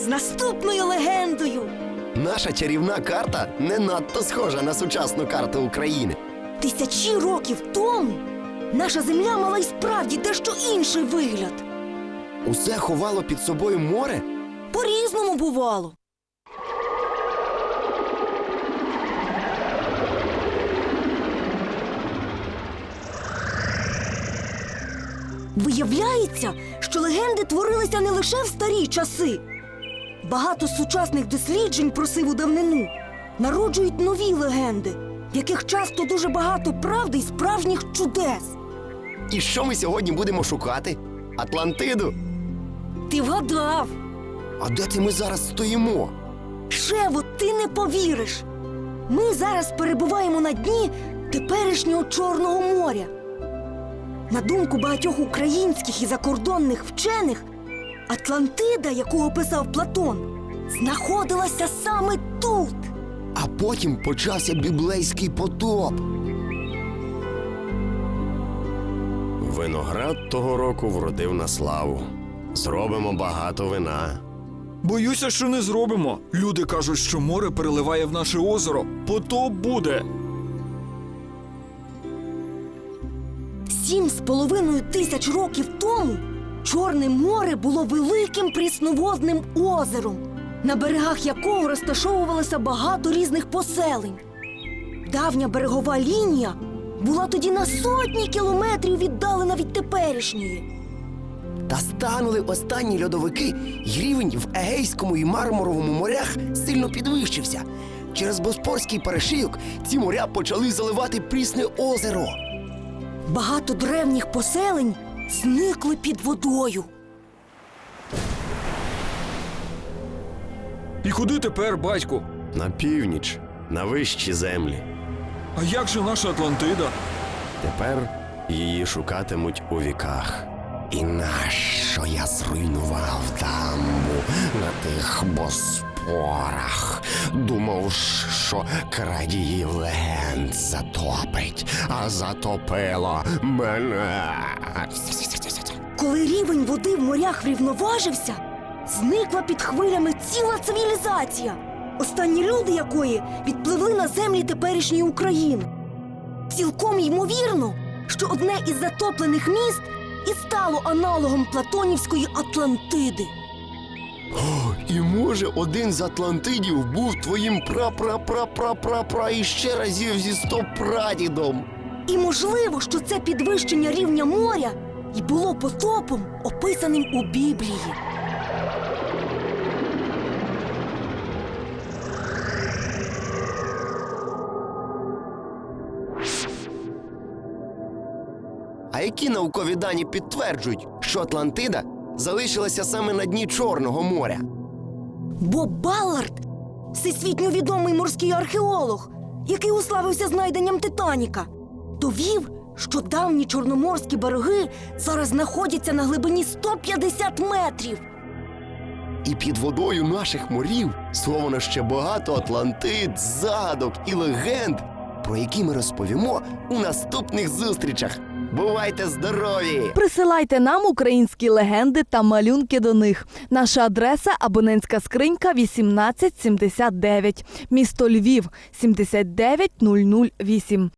наступною легендою. Наша чарівна карта не надто схожа на сучасну карту України. Тисячі років тому наша земля мала й справді дещо інший вигляд. Усе ховало під собою море? По-різному бувало. Виявляється, що легенди творилися не лише в старі часи. Багато сучасних досліджень про сиву давнину народжують нові легенди, в яких часто дуже багато правди й справжніх чудес. І що ми сьогодні будемо шукати? Атлантиду? Ти вгадав! А де це ми зараз стоїмо? Шево, ти не повіриш! Ми зараз перебуваємо на дні теперішнього Чорного моря. На думку багатьох українських і закордонних вчених, Атлантида, яку описав Платон, знаходилася саме тут. А потім почався біблейський потоп. Виноград того року вродив на славу. Зробимо багато вина. Боюся, що не зробимо. Люди кажуть, що море переливає в наше озеро. Потоп буде. 7,5 тисяч років тому Чорне море було великим прісноводним озером, на берегах якого розташовувалося багато різних поселень. Давня берегова лінія була тоді на сотні кілометрів віддалена від теперішньої. Та станули останні льодовики, і рівень в Егейському і Мармуровому морях сильно підвищився. Через Боспорський перешийок ці моря почали заливати Прісне озеро. Багато древніх поселень зникли під водою. І куди тепер, батьку? На північ, на вищі землі. А як же наша Атлантида? Тепер її шукатимуть у віках. І нащо я зруйнував дамбу на тих Боспорах? Думав, що крадії легенд затопить, а затопило мене. Коли рівень води в морях врівноважився, зникла під хвилями ціла цивілізація, останні люди якої відпливли на землі теперішньої України. Цілком ймовірно, що одне із затоплених міст і стало аналогом платонівської Атлантиди. І може один з Атлантидів був твоїм пра-пра-пра-пра-пра-пра і ще разів зі 100 прадідом. І можливо, що це підвищення рівня моря і було потопом, описаним у Біблії. А які наукові дані підтверджують, що Атлантида залишилася саме на дні Чорного моря? Боб Баллард – всесвітньо відомий морський археолог, який уславився знайденням Титаніка, довів, що давні чорноморські береги зараз знаходяться на глибині 150 метрів. І під водою наших морів сховано ще багато Атлантид, загадок і легенд, про які ми розповімо у наступних зустрічах. Бувайте здорові! Присилайте нам українські легенди та малюнки до них. Наша адреса – абонентська скринька 1879, місто Львів, 79008.